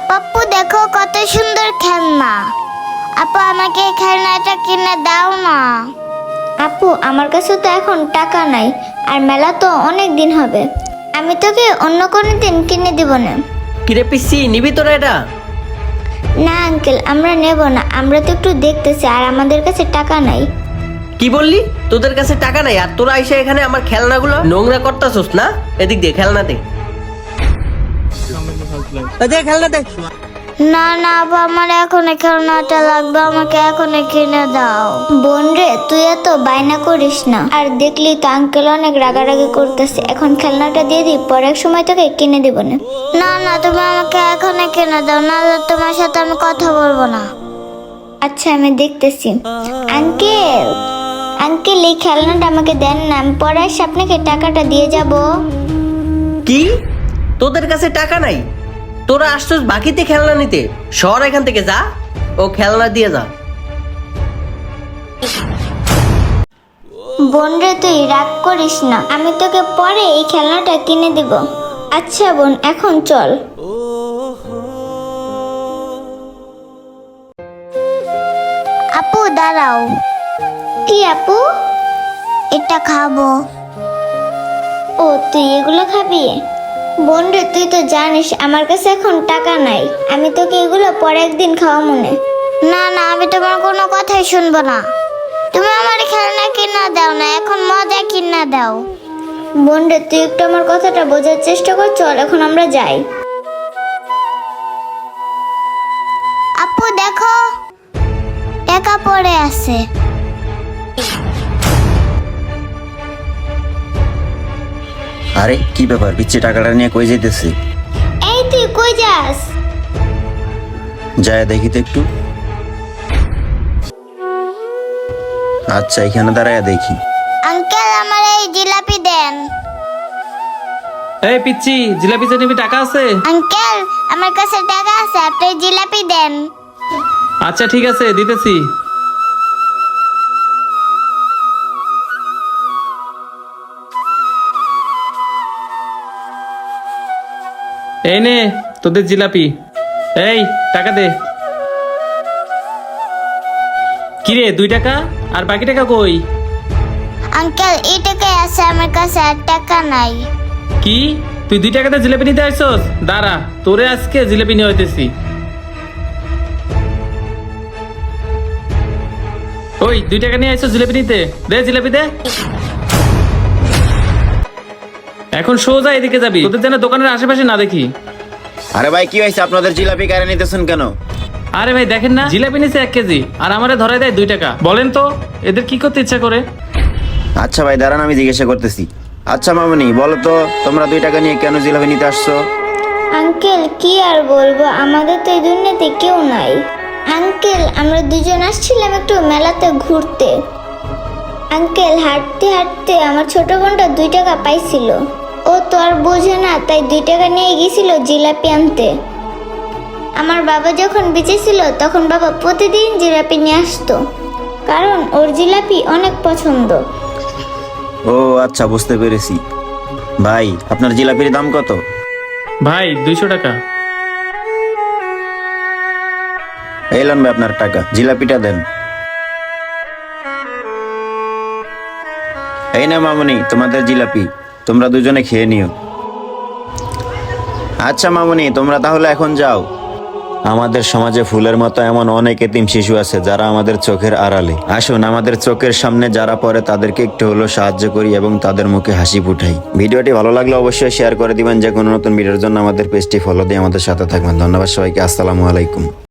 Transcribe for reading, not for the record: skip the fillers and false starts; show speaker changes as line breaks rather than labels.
পাপ্পু দেখো কত সুন্দর খেলনা। আপু আমাকে এই খেলনাটা কিনে দাও না।
আপু আমার কাছে তো এখন টাকা নাই, আর মেলা তো অনেক দিন হবে। আমি তোকে অন্য কোনো দিন কিনে দিব না।
কিরে পিসি, নিবি তোরা এটা?
না আঙ্কেল, আমরা নেব না। আমরা তো একটু দেখতেছি, আর আমাদের কাছে টাকা নাই।
কি বললি? তোদের কাছে টাকা নাই আর তোরা এসে এখানে আমার খেলনাগুলো নোংরা করতেছস না? এদিক দে খেলনা দে। খেলনা দে।
না না আপু, আমার এখন এই খেলনাটা লাগবে, আমাকে এখন কিনে দাও।
বোন রে, তুই এত বায়না করিস না। আর দেখলি তো আঙ্কেল অনেক রাগারাগি করতেছে। এখন খেলনাটা দিয়ে দিই, পরে এক সময় তোকে কিনে দিব না।
না না, তুমি আমাকে এখন কিনে দাও, নাহলে তোমার সাথে আমি কথা বলবো না।
আচ্ছা আমি দেখতেছি। আঙ্কেল আঙ্কেল, এই খেলনাটা আমাকে দেন না, আমি পরে এসে আপনাকে টাকাটা দিয়ে যাব।
কি? তোদের কাছে টাকা নাই? তোরা আসছস বাকিতে খেলনা নিতে? শহর এখান থেকে যা, ও খেলনা দিয়ে যা।
বোন রে, তুই রাগ করিস না, আমি তোকে পরে এই খেলনাটা কিনে দিব। আচ্ছা বোন, এখন চল।
আপু দাঁড়াও,
কি আপু?
এটা খাবো।
ও, তুই এগুলো খাবি? বোন রে, তুই তো জানিস আমার কাছে এখন টাকা নাই। আমি তোকে এগুলো পরে একদিন খাওয়া মনে।
না না, আমি তোমার কোনো কথাই শুনবো না। তুমি আমার খেলনা কিনা দাও না, এখন মজা কিনা দাও।
বোন রে, তুই একটু আমার কথাটা বোঝার চেষ্টা কর। চল এখন আমরা যাই।
আপু দেখো, টাকা পড়ে আছে।
আরে কি ব্যাপার, পিচ্ছি টাকাটা নিয়ে কই যাইতেছি?
এই তুই কই যাস?
যায় দেখি তো একটু। আচ্ছা, এখানে দাঁড়ায় দেখি।
আঙ্কেল আমার এই জিলাপি দেন।
এই পিচ্ছি, জিলাপি চাটনি টাকা আছে?
আঙ্কেল আমার কাছে টাকা আছে, আপনি জিলাপি দেন।
আচ্ছা ঠিক আছে, দিতেছি। এই নে তোদের জিলাপি। এই টাকা দে। কিরে 2 টাকা? আর বাকি টাকা কই?
আঙ্কেল এই টাকাই আছে আমার কাছে, আর টাকা নাই।
কি তুই 2 টাকাতে জিলাপি নিতে আসছস? দাঁড়া, তোরে আজকে জিলাপি নিয়ে হইতেছি। ওই 2 টাকা নিয়ে আসছস জিলাপি নিতে, দে জিলাপি দে। এখন সোজা এদিকে যাবি, তোদের যেন দোকানের আশেপাশে না দেখি।
আরে ভাই, কি হয়েছে? আপনাদের জিলাপি কারে নিতেছেন কেন?
আরে ভাই দেখেন না, জিলাপি নিছে 1 কেজি আর আমারে ধরাই দেয় 2 টাকা। বলেন তো এদের কি করতে ইচ্ছা করে?
আচ্ছা ভাই দাঁড়ান, আমি জিজ্ঞাসা করতেছি। আচ্ছা মামনি, বলো তো তোমরা 2 টাকা নিয়ে কেন জিলাপি নিতে আসছো?
আঙ্কেল কি আর বলবো, আমাদের তো এই দুনিয়াতে কেউ নাই। আঙ্কেল আমরা দুজন আসছিলাম একটু মেলাতে ঘুরতে। আঙ্কেল হাঁটতে হাঁটতে আমার ছোট বোনটা 2 টাকা পাইছিল। ও তো আর বোঝে না, তাই 2 টাকা নিয়ে গেছিল জিলাপি আনতে। আমার বাবা যখন বেঁচে ছিল তখন বাবা প্রতিদিন জিলাপি নিয়ে আসতো, কারণ ওর জিলাপি অনেক পছন্দ।
ও আচ্ছা, বুঝতে পেরেছি। ভাই আপনার জিলাপির দাম কত?
ভাই 200 টাকা।
এলাম ভাই আপনার টাকা, জিলাপিটা দেন। এই না মামনি, তোমাদের জিলাপি, তোমরা দুজনে খেয়ে নিও। আচ্ছা মামনি, তোমরা তাহলে এখন যাও। আমাদের সমাজে ফুলের মতো এমন অনেক এতিম শিশু আছে যারা আমাদের চোখের আড়ালে। আসুন আমাদের চোখের সামনে যারা পড়ে তাদেরকে একটু হলেও সাহায্য করি এবং তাদের মুখে হাসি ফুটাই। ভিডিওটি ভালো লাগলে অবশ্যই শেয়ার করে দিবেন। যে কোনো নতুন ভিডিওর জন্য আমাদের পেজটি ফলো দিয়ে আমাদের সাথে থাকবেন। ধন্যবাদ সবাইকে, আসসালামু আলাইকুম।